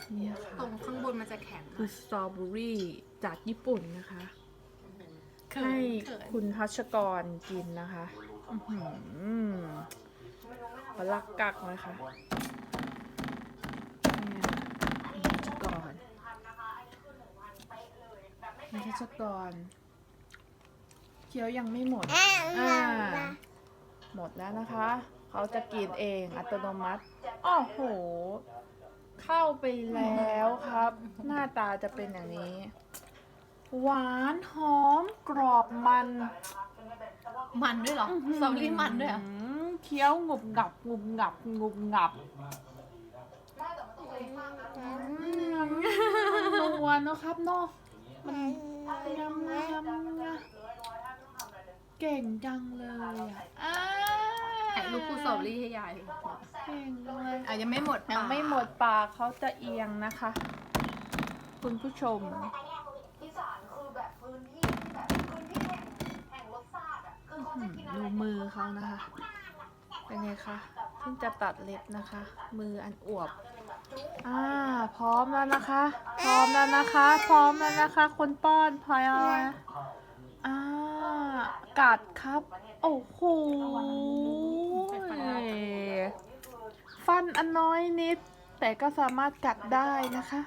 นี่ค่ะตรงข้างบนมันจะแข็งคือสตรอเบอรี่จากญี่ปุ่นนะคะ ให้คุณทัชกรกินนะคะปลาลักกักนะคะเนี่ยคุณทัชกรเคี้ยวยังไม่หมดหมดแล้วนะคะ เขาจะกินเองอัตโนมัติอ้อโห เข้าไปแล้วครับ หน้าตาจะเป็นอย่างนี้ หวานหอมกรอบมันมันด้วยเหรอสตรอเบอรี่มันด้วยเหรอเคี้ยวงุบงับงุบงับงุบงับมันนัวเนอะครับเนาะมันยำเก่งจังเลยอ่ะถ่ายรูปคู่สตรอเบอรี่ให้ยายเก่งเลยยังไม่หมดยังไม่หมดปากเขาจะเอียงนะคะ คุณผู้ชมอีสานคือแบบพื้นที่ที่แบบพื้นที่แห่งรสชาติอ่ะคือเขาจะกินอะไรดูมือเขานะคะ เป็นไงคะเพิ่งจะตัดเล็บนะคะ มืออันอวบพร้อมแล้วนะคะ พร้อมแล้วนะคะ คนป้อนพลอยกัดครับ โอ้โหฟันอันน้อยนิด แต่ก็สามารถกัดได้นะคะ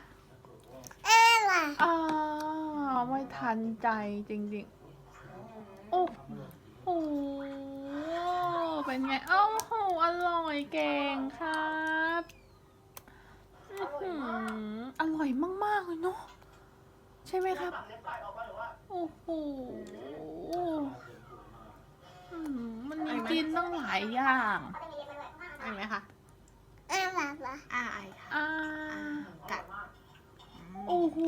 ไม่ทันใจจริงๆโอ้โหเป็นไงโอ้โหอร่อยเก่งครับอร่อยมากๆเลยเนาะใช่ไหมครับโอ้โหมันมีกินตั้งหลายอย่างไอไหมคะไอค่ะกัดโอ้โห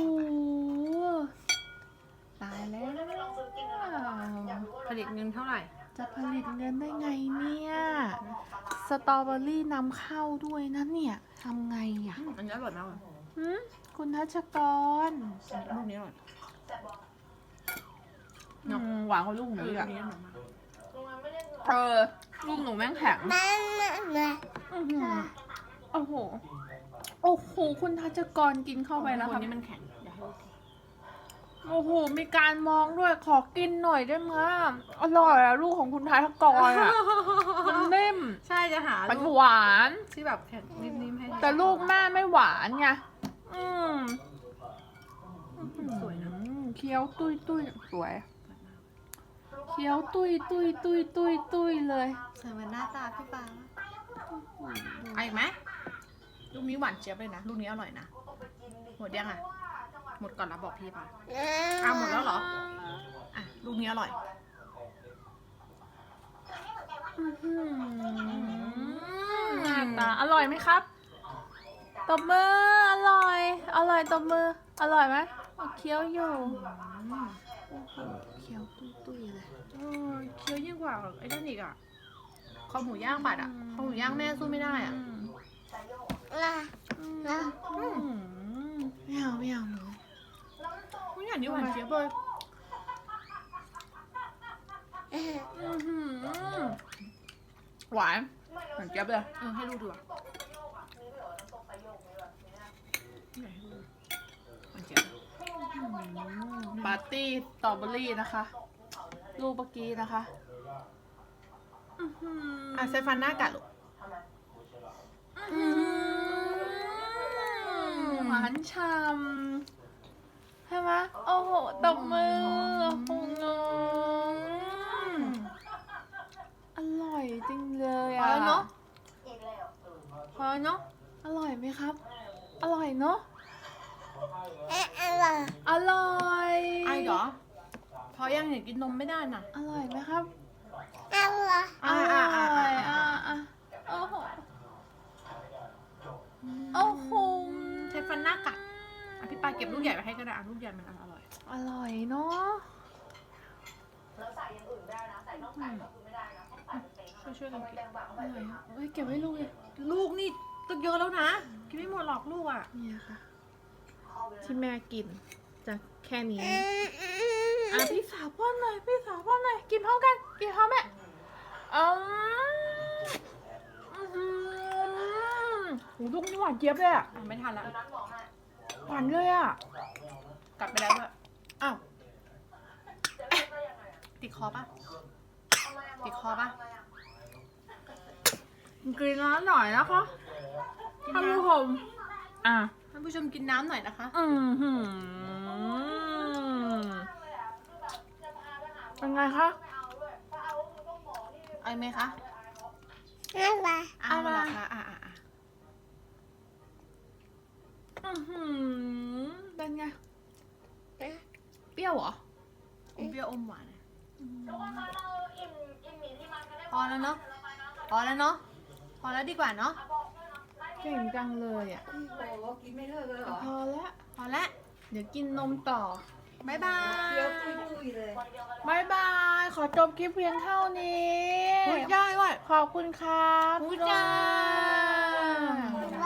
ตายแล้วผลิตเงินเท่าไหร่จะผลิตเงินได้ไงเนี่ยสตรอเบอรี่นำเข้าด้วยนะเนี่ยทำไงอ่ะอันนี้อร่อยมากเลยคุณทัชกรลูกนี้อร่อยหวานกว่าลูกหนูอีกอัอ่ะนนี้อร่อยมากลูกหนูแม่งแข็งโอ้โหคุณทัชกรกินเข้าไปแล้วคค่ะนนี้มันแข็งอย่าให้ลูกโอ้โหมีการมองด้วยขอกินหน่อยได้ไหมอร่อยอะลูกของคุณทัชกรอะมันนิ่มใช่จะหามันลูกหวานที่แบบแข็งนิ่มๆให้แต่ลูกแม่ไม่หวานไงสวยนะเคี้ยวตุ้ยสวยเคี้ยวตุ้ยเลยสวยเหมือนหน้าตาพี่ปาไอไหมลูกนี้หวานเจี๊ยบเลยนะลูกนี้อร่อยนะหมดยังอ่ะหมดก่อนแล้วบอกพี่ปาหมดแล้วเหรอลูกนี้อร่อยหน้าตาอร่อยไหมครับตบมืออร่อยตบมืออร่อยไหมเคี้ยวอยู่เคี้ยวตุ้ยเลยเคี้ยวยิ่งกว่าไอ้นั่นอีกอ่ะคอหมูย่างบัดอ่ะคอหมูย่างแม่สู้ไม่ได้อ่ะไม่เอาหนูไม่อย่างนี้หวานเจี๊ยบเลยหวานเหมือนเจี๊ยบเลยให้ลูกดูอ่ะหวานเจี๊ยบปาร์ตี้สตรอเบอรี่นะคะลูกเมื่อกี้นะคะใช้ฟันหน้ากัดลูกหวานฉ่ำใช่ไหมโอ้โหตบมือโอ้โหอร่อยจริงเลยพอแล้วเนาะพอเนาะอร่อยไหมครับ อร่อยเนาะอร่อยไอเหรอพอยังเห็นกินนมไม่ได้น่ะอร่อยไหมครับอ่าโอ้โหโอ้โหใช้ฟันหน้ากัดพี่ปาเก็บลูกใหญ่ไปให้ก็ได้ลูกใหญ่มันอร่อยอร่อยเนาะแล้วใส่อย่างอื่นได้นะใส่น่องไก่ก็คือไม่ได้นะต้องใส่เป็นเต็งช่วยกันกินแบ่งอๆไปร่อยอะเอ้ยเก็บไว้ลูกเลยลูกนี่ต้องเยอะแล้วนะกินไม่หมดหรอกลูกอ่ะเนี่ยค่ะ ที่แม่กินจะแค่นี้พี่สาวป้อนหน่อยกินพร้อมกันกินพร้อมแม่ลูกนี่หวานเจี๊ยบเลยอะไม่ทันแล้วนั้นบอกให้หวานเลยอ่ะกัดไปแล้วด้วยอ้าวติดคอปะติดคอปะกินน้ำหน่อยนะคะท่านผู้ชมอ่ะท่านผู้ชมกินน้ำหน่อยนะคะหือเป็นไงคะเอาไหมคะอะไรเอาละค่ะเป็นไงเปรี้ยวเหรออมเปรี้ยวอมหวานอะพอแล้วเนาะพอแล้วเนาะพอแล้วดีกว่าเนาะเก่งจังเลยอ่ะกินไม่เลิกเลยเหรอพอแล้วพอแล้วเดี๋ยวกินนมต่อบ๊ายบายเคี้ยวตุยๆเลยบายบาย ขอจบคลิปเพียงเท่านี้พูดได้ด้วยขอบคุณครับพูดจ้าอะไร